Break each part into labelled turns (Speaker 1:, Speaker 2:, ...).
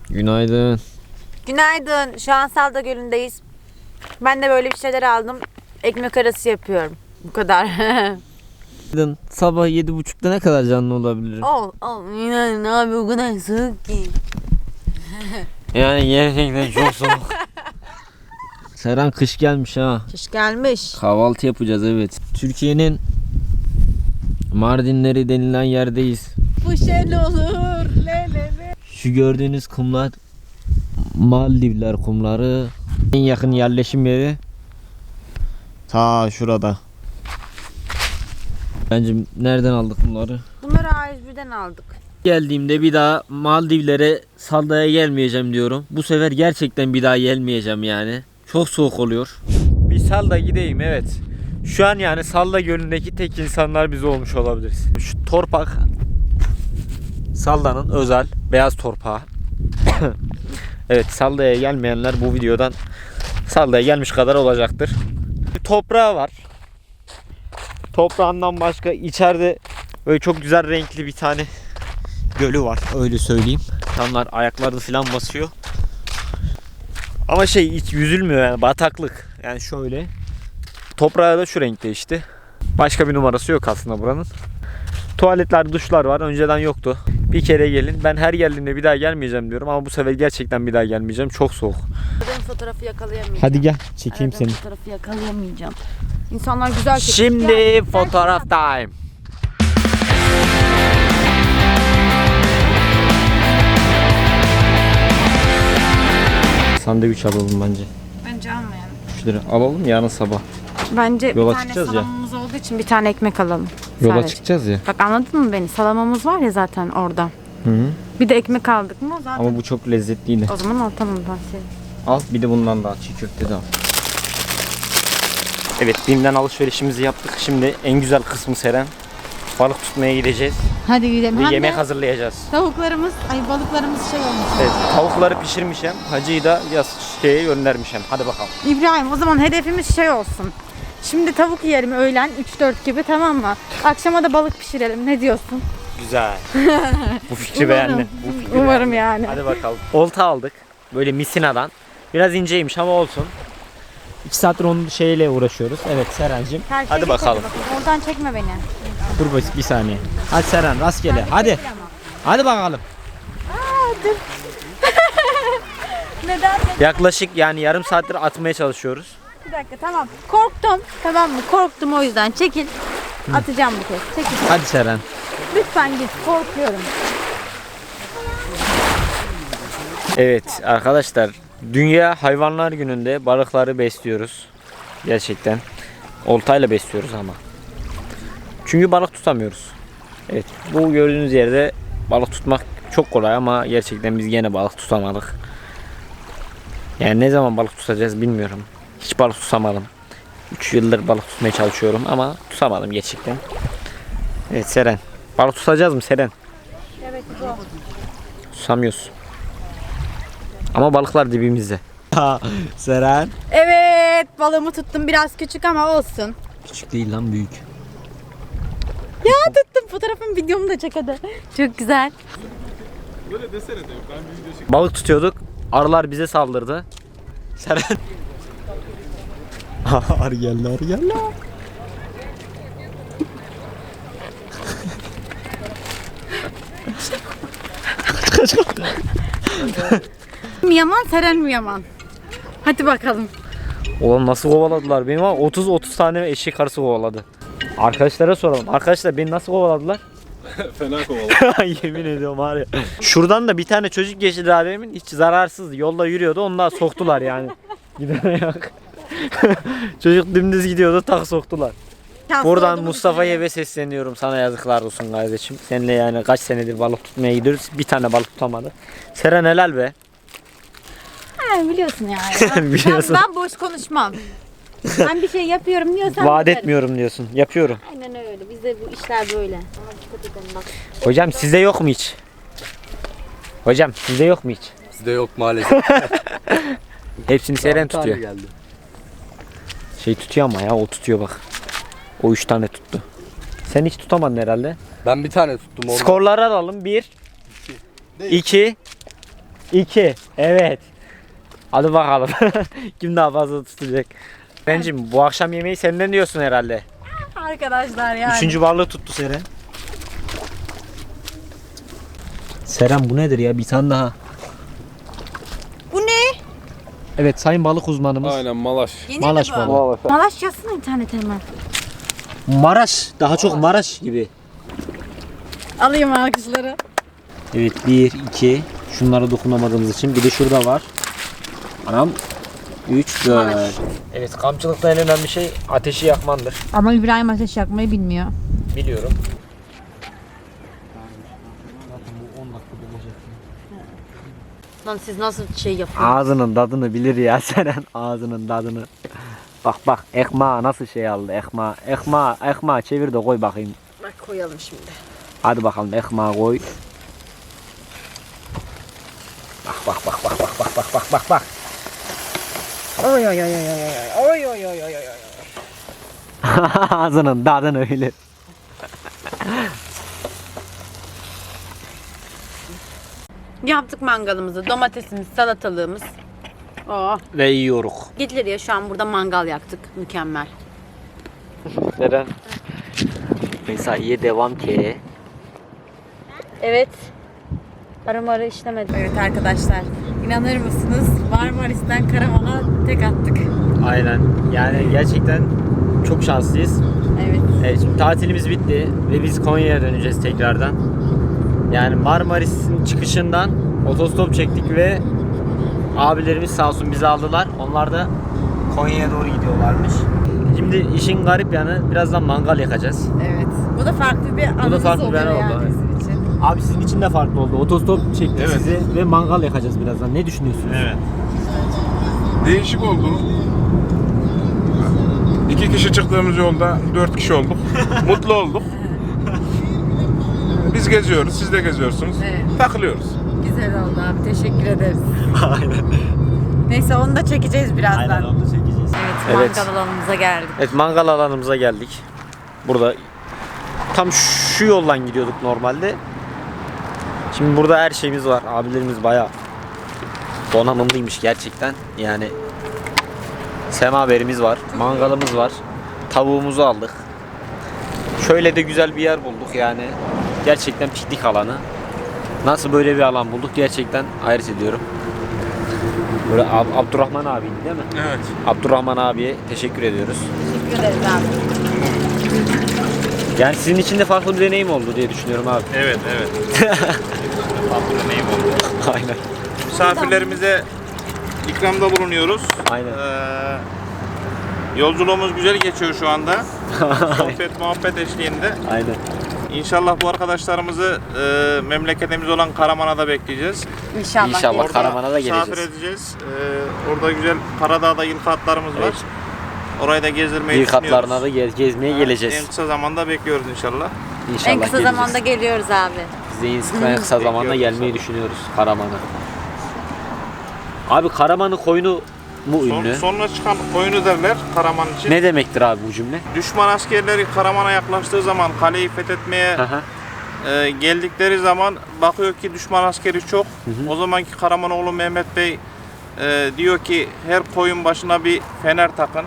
Speaker 1: Günaydın.
Speaker 2: Günaydın. Şu an Salda Gölü'ndeyiz. Ben de böyle bir şeyler aldım. Ekmek arası yapıyorum. Bu kadar.
Speaker 1: Sabah 7.30'da ne kadar canlı olabilirim?
Speaker 2: İnan abi o kadar soğuk ki.
Speaker 1: Yani gerçekten çok soğuk. Seren kış gelmiş ha.
Speaker 2: Kış gelmiş.
Speaker 1: Kahvaltı yapacağız evet. Türkiye'nin Mardinleri denilen yerdeyiz.
Speaker 2: Bu şel olur. Le.
Speaker 1: Şu gördüğünüz kumlar Maldivler kumları. En yakın yerleşim yeri ta şurada. Bence nereden aldık bunları?
Speaker 2: Bunları A101'den aldık.
Speaker 1: Geldiğimde bir daha Maldivlere, Salda'ya gelmeyeceğim diyorum. Bu sefer gerçekten bir daha gelmeyeceğim yani. Çok soğuk oluyor. Bir Salda gideyim evet. Şu an yani Salda Gölü'ndeki tek insanlar biz olmuş olabiliriz. Şu torpak Salda'nın özel beyaz torpağı. Evet, Salda'ya gelmeyenler bu videodan Salda'ya gelmiş kadar olacaktır. Bir toprağı var. Toprağından başka içeride böyle çok güzel renkli bir tane gölü var, öyle söyleyeyim. İnsanlar ayaklarını falan basıyor. Ama hiç yüzülmüyor yani, bataklık. Yani şöyle. Toprağı da şu renkte işte. Başka bir numarası yok aslında buranın. Tuvaletler, duşlar var. Önceden yoktu. Bir kere gelin. Ben her geldiğimde bir daha gelmeyeceğim diyorum ama bu sefer gerçekten bir daha gelmeyeceğim. Çok soğuk.
Speaker 2: Aradığım fotoğrafı yakalayamayacağım.
Speaker 1: Hadi gel, çekeyim seni.
Speaker 2: Fotoğrafı yakalayamayacağım. İnsanlar güzel çekiyor.
Speaker 1: Şimdi
Speaker 2: Gel,
Speaker 1: fotoğraf time. Sandviç alalım bence.
Speaker 2: Bence almayalım.
Speaker 1: 3 lira alalım yarın sabah.
Speaker 2: Bence
Speaker 1: Yola
Speaker 2: bir tane
Speaker 1: çıkacağız ya.
Speaker 2: salamamız olduğu için bir tane ekmek alalım.
Speaker 1: Yola
Speaker 2: Sadece.
Speaker 1: çıkacağız ya.
Speaker 2: Bak anladın mı beni? Salamamız var ya zaten orada.
Speaker 1: Hı hı.
Speaker 2: Bir de ekmek aldık mı zaten.
Speaker 1: Ama bu çok lezzetliydi.
Speaker 2: O zaman al tamam ben şey.
Speaker 1: Al bir de bundan daha, çiğ köfte de al. Evet, BİM'den alışverişimizi yaptık. Şimdi en güzel kısmı Seren. Balık tutmaya gideceğiz.
Speaker 2: Hadi gidelim.
Speaker 1: Ve yemek hazırlayacağız.
Speaker 2: Tavuklarımız, balıklarımız şey olmuş.
Speaker 1: Evet, tavukları pişirmişim. Hacı'yı da şeye göndermişim. Hadi bakalım.
Speaker 2: İbrahim o zaman hedefimiz şey olsun. Şimdi tavuk yiyelim öğlen 3-4 gibi tamam mı? Akşama da balık pişirelim. Ne diyorsun?
Speaker 1: Güzel. Bu fikri beğendim. Bu fikri
Speaker 2: Umarım
Speaker 1: beğendim.
Speaker 2: yani.
Speaker 1: Hadi bakalım. Olta aldık. Böyle misinadan. Biraz inceymiş ama olsun. 2 saattir onun şeyle uğraşıyoruz. Evet Serencim.
Speaker 2: Her şey
Speaker 1: Hadi
Speaker 2: bir
Speaker 1: bakalım.
Speaker 2: tadı. Oradan çekme beni.
Speaker 1: Dur bir saniye. Hadi Seren rastgele. Hadi. Hadi bakalım.
Speaker 2: Dur. Neden?
Speaker 1: Yaklaşık yani yarım saattir atmaya çalışıyoruz.
Speaker 2: Bir dakika tamam. Korktum. Tamam mı? Korktum o yüzden. Çekil. Atacağım bu kez. Çekil.
Speaker 1: Hadi Seren.
Speaker 2: Lütfen git. Korkuyorum.
Speaker 1: Evet arkadaşlar, Dünya Hayvanlar Günü'nde balıkları besliyoruz. Gerçekten. Oltayla besliyoruz ama. Çünkü balık tutamıyoruz. Evet, bu gördüğünüz yerde balık tutmak çok kolay ama gerçekten biz gene balık tutamadık. Yani ne zaman balık tutacağız bilmiyorum. Hiç balık tutamadım. 3 yıldır balık tutmaya çalışıyorum ama tutamadım gerçekten. Evet Seren. Balık tutacağız mı Seren?
Speaker 2: Evet zor.
Speaker 1: Tutamıyoruz. Ama balıklar dibimizde. Seren.
Speaker 2: Evet balığımı tuttum. Biraz küçük ama olsun.
Speaker 1: Küçük değil lan, büyük.
Speaker 2: Ya tuttum. Fotoğrafımı videomu da çek hadi. Çok güzel.
Speaker 3: Böyle desene de ben bir video çekeyim.
Speaker 1: Balık tutuyorduk. Arılar bize saldırdı. Seren. Arı geldi, arı geldi.
Speaker 2: Mi yaman Seren mi yaman? Hadi bakalım.
Speaker 1: Ulan nasıl kovaladılar beni, ama 30 tane eşek arısı kovaladı. Arkadaşlara soralım. Arkadaşlar beni nasıl kovaladılar?
Speaker 3: Fena kovalı.
Speaker 1: Yemin ediyorum var ya. Şuradan da bir tane çocuk geçti daha demin. Hiç zararsızdı. Yolda yürüyordu. Onu da soktular yani. Gidene yok. Çocuk dümdüz gidiyordu. Tak soktular. Buradan Mustafa'ya ve sesleniyorum. Sana yazıklar olsun kardeşim. Seninle yani kaç senedir balık tutmaya gidiyoruz. Bir tane balık tutamadı. Seren helal be.
Speaker 2: Ha, biliyorsun yani.
Speaker 1: Biliyorsun.
Speaker 2: Ben boş konuşmam. Ben bir şey yapıyorum diyorsan
Speaker 1: Vaat
Speaker 2: yaparım.
Speaker 1: etmiyorum diyorsun. Yapıyorum.
Speaker 2: Aynen öyle. Bizde bu işler böyle. Ama dikkat edelim bak.
Speaker 1: Hocam sizde yok mu hiç? Hocam sizde yok mu hiç?
Speaker 3: Bizde yok maalesef.
Speaker 1: Hepsini Seren tutuyor.
Speaker 3: Geldi.
Speaker 1: Şey tutuyor ama ya, o tutuyor bak. O 3 tane tuttu. Sen hiç tutamadın herhalde.
Speaker 3: Ben bir tane tuttum onu.
Speaker 1: Skorları alalım. 1 2 2. Evet. Hadi bakalım. Kim daha fazla tutacak? Bencim bu akşam yemeği senden diyorsun herhalde.
Speaker 2: Arkadaşlar yani.
Speaker 1: 3. balığı tuttu Seren. Seren bu nedir ya? Bir tane daha.
Speaker 2: Bu ne?
Speaker 1: Evet sayın balık uzmanımız.
Speaker 3: Aynen malaş.
Speaker 2: Yeni
Speaker 1: Malaş
Speaker 2: mi bu?
Speaker 1: balığı.
Speaker 2: Malaş yazsana internete hemen.
Speaker 1: Maraş. Daha çok Maraş gibi.
Speaker 2: Alayım alkışları.
Speaker 1: Evet 1, 2. Şunlara dokunamadığımız için. Bir de şurada var. Anam. 3, 4. Evet kampçılıkta en önemli şey ateşi yakmandır.
Speaker 2: Ama İbrahim ateş yakmayı bilmiyor.
Speaker 1: Biliyorum.
Speaker 2: Lan siz nasıl şey yapıyorsunuz?
Speaker 1: Ağzının tadını bilir ya Seren. Ağzının tadını. Bak bak ekmeği nasıl şey aldı ekmeği. Ekmeği çevir de koy bakayım.
Speaker 2: Bak koyalım şimdi.
Speaker 1: Hadi bakalım ekmeği koy. Bak.
Speaker 2: Oy oy oy oy oy oy oy oy oy oy.
Speaker 1: Ağzının tadını bilir.
Speaker 2: Yaptık mangalımızı, domatesimiz, salatalığımız. Oh.
Speaker 1: Ve yiyoruz.
Speaker 2: Gidilir ya şu an burada mangal yaktık. Mükemmel.
Speaker 1: Seren. Mesaiye devam ki.
Speaker 2: Evet. Arı işlemedi. Evet arkadaşlar. İnanır mısınız? Marmaris'ten Karaman'a tek attık.
Speaker 1: Aynen. Yani gerçekten çok şanslıyız.
Speaker 2: Evet.
Speaker 1: Evet, şimdi tatilimiz bitti ve biz Konya'ya döneceğiz tekrardan. Yani Marmaris'in çıkışından otostop çektik ve abilerimiz sağ olsun bizi aldılar. Onlar da Konya'ya doğru gidiyorlarmış. Şimdi işin garip yanı birazdan mangal yakacağız.
Speaker 2: Evet. Bu da farklı bir anımız
Speaker 1: farklı bir
Speaker 2: oluyor
Speaker 1: anı oldu,
Speaker 2: yani
Speaker 1: evet.
Speaker 2: bizim için.
Speaker 1: Abi sizin için de farklı oldu. Otostop çektik
Speaker 3: Evet.
Speaker 1: sizi ve mangal yakacağız birazdan. Ne düşünüyorsunuz?
Speaker 3: Evet. Değişik oldu. 2 kişi çıktığımız yolda 4 kişi olduk. Mutlu olduk. Biz geziyoruz, siz de geziyorsunuz.
Speaker 2: Evet.
Speaker 3: Takılıyoruz.
Speaker 2: Güzel oldu abi. Teşekkür ederiz.
Speaker 1: Aynen.
Speaker 2: Neyse onu da çekeceğiz birazdan.
Speaker 1: Aynen onu da çekeceğiz.
Speaker 2: Evet, mangal alanımıza geldik.
Speaker 1: Evet mangal alanımıza geldik. Burada tam şu yoldan gidiyorduk normalde. Şimdi burada her şeyimiz var. Abilerimiz bayağı donanımlıymış gerçekten. Yani semaverimiz var, mangalımız var. Tavuğumuzu aldık. Şöyle de güzel bir yer bulduk yani. Gerçekten piknik alanı. Nasıl böyle bir alan bulduk gerçekten hayret ediyorum. Böyle Abdurrahman abiydi değil mi?
Speaker 3: Evet.
Speaker 1: Abdurrahman abiye teşekkür ediyoruz.
Speaker 2: Teşekkür ederiz abi.
Speaker 1: Yani sizin için de farklı bir deneyim oldu diye düşünüyorum abi.
Speaker 3: Evet. Farklı deneyim oldu.
Speaker 1: Aynen.
Speaker 3: Misafirlerimize ikramda bulunuyoruz.
Speaker 1: Aynen.
Speaker 3: Yolculuğumuz güzel geçiyor şu anda. Sohbet muhabbet eşliğinde.
Speaker 1: Aynen.
Speaker 3: İnşallah bu arkadaşlarımızı memleketimiz olan Karaman'a da bekleyeceğiz.
Speaker 2: İnşallah.
Speaker 1: İnşallah.
Speaker 2: geliriz.
Speaker 1: Karaman'a da
Speaker 3: misafir
Speaker 1: geleceğiz.
Speaker 3: edeceğiz. Orada güzel Karadağ'da yılkatlarımız var.
Speaker 1: Evet.
Speaker 3: Orayı da gezdirmeyi
Speaker 1: Bir katlarına
Speaker 3: düşünüyoruz.
Speaker 1: da gezmeye
Speaker 3: En
Speaker 1: geleceğiz.
Speaker 3: kısa zamanda bekliyoruz inşallah.
Speaker 1: İnşallah
Speaker 2: En kısa
Speaker 1: geleceğiz.
Speaker 2: zamanda geliyoruz abi.
Speaker 1: Biz de en kısa zamanda
Speaker 3: Bekliyoruz
Speaker 1: gelmeyi
Speaker 3: inşallah.
Speaker 1: düşünüyoruz Karaman'a. Abi Karaman'ın koyunu mu ünlü?
Speaker 3: Sonra çıkan oyunu derler Karaman için.
Speaker 1: Ne demektir abi bu cümle?
Speaker 3: Düşman askerleri Karaman'a yaklaştığı zaman kaleyi fethetmeye
Speaker 1: Hı hı.
Speaker 3: geldikleri zaman bakıyor ki düşman askeri çok. O zamanki Karamanoğlu Mehmet Bey diyor ki her koyun başına bir fener takın.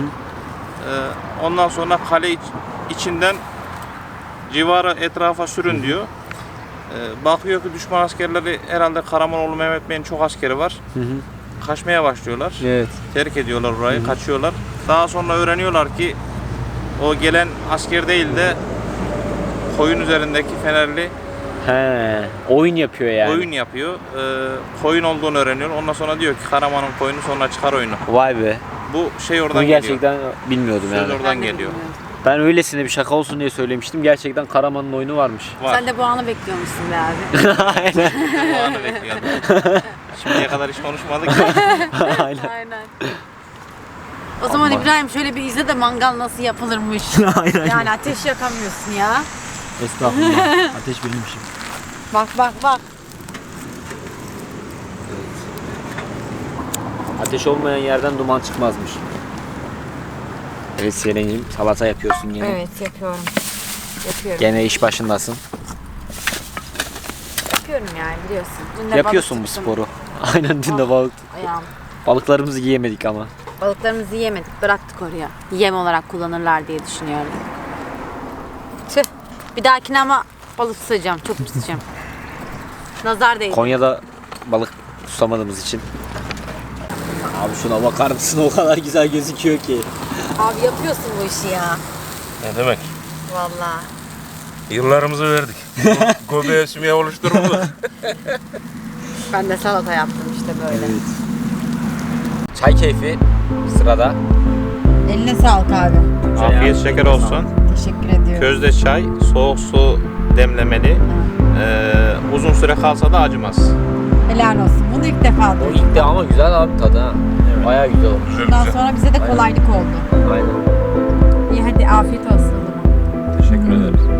Speaker 3: Ondan sonra kale içinden civarı etrafa sürün diyor. Bakıyor ki düşman askerleri herhalde Karamanoğlu Mehmet Bey'in çok askeri var. Kaçmaya başlıyorlar.
Speaker 1: Evet.
Speaker 3: Terk ediyorlar orayı, kaçıyorlar. Daha sonra öğreniyorlar ki o gelen asker değil de koyun üzerindeki fenerli
Speaker 1: He, oyun yapıyor yani.
Speaker 3: oyun yapıyor. Koyun olduğunu öğreniyor. Ondan sonra diyor ki Karaman'ın koyunu sonra çıkar oyunu.
Speaker 1: Vay be.
Speaker 3: Bu şey oradan
Speaker 1: Bunu
Speaker 3: geliyor.
Speaker 1: gerçekten bilmiyordum
Speaker 3: Söz
Speaker 1: yani.
Speaker 3: oradan geliyor.
Speaker 1: Ben öylesine bir şaka olsun diye söylemiştim. Gerçekten Karaman'ın oyunu varmış.
Speaker 3: Var.
Speaker 2: Sen de bu anı bekliyormuşsun be abi.
Speaker 1: Aynen.
Speaker 3: Bu anı bekliyordum. Şimdiye kadar hiç konuşmadık.
Speaker 1: Aynen.
Speaker 2: Aynen. O zaman İbrahim şöyle bir izle de mangal nasıl yapılırmış.
Speaker 1: Aynen.
Speaker 2: Yani ateş yakamıyorsun ya.
Speaker 1: Estağfurullah. Ateş benim işim.
Speaker 2: Bak bak bak.
Speaker 1: Ateş olmayan yerden duman çıkmazmış. Evet Selen'cim salata yapıyorsun gene.
Speaker 2: Evet yapıyorum. Yapıyorum.
Speaker 1: Gene iş başındasın.
Speaker 2: yapıyorum yani biliyorsun. Dün de
Speaker 1: Yapıyorsun bu
Speaker 2: balık tuttum.
Speaker 1: sporu. Aynen dün de balık.
Speaker 2: Ayağım.
Speaker 1: Balıklarımızı yiyemedik ama.
Speaker 2: Balıklarımızı yiyemedik, bıraktık oraya. Yem olarak kullanırlar diye düşünüyorum. Tüh. Bir dahakine ama balık tutacağım, çok tutacağım. Nazar değdi.
Speaker 1: Konya'da balık tutamadığımız için. Abi şuna bakar mısın? O kadar güzel gözüküyor ki.
Speaker 2: Abi yapıyorsun bu işi ya.
Speaker 4: Ne demek?
Speaker 2: Vallahi.
Speaker 4: Yıllarımızı verdik. Göbeğe sümüğe oluşturuldu.
Speaker 2: Ben de salata yaptım işte böyle.
Speaker 1: Çay keyfi sırada.
Speaker 2: Eline sağlık abi.
Speaker 3: Afiyet şeker olsun.
Speaker 2: Teşekkür ediyorum.
Speaker 3: Közde çay, soğuk su demlemeli. Uzun süre kalsa da acımaz.
Speaker 2: Helal olsun. Bunu ilk defa
Speaker 1: O
Speaker 2: duydum.
Speaker 1: ilk de ama güzel abi tadı ha. Bayağı güzel olmuş.
Speaker 4: Güzel
Speaker 2: Bundan
Speaker 4: güzel.
Speaker 2: sonra bize de kolaylık oldu.
Speaker 1: Aynen.
Speaker 2: İyi hadi afiyet olsun o zaman.
Speaker 4: Teşekkür ederiz.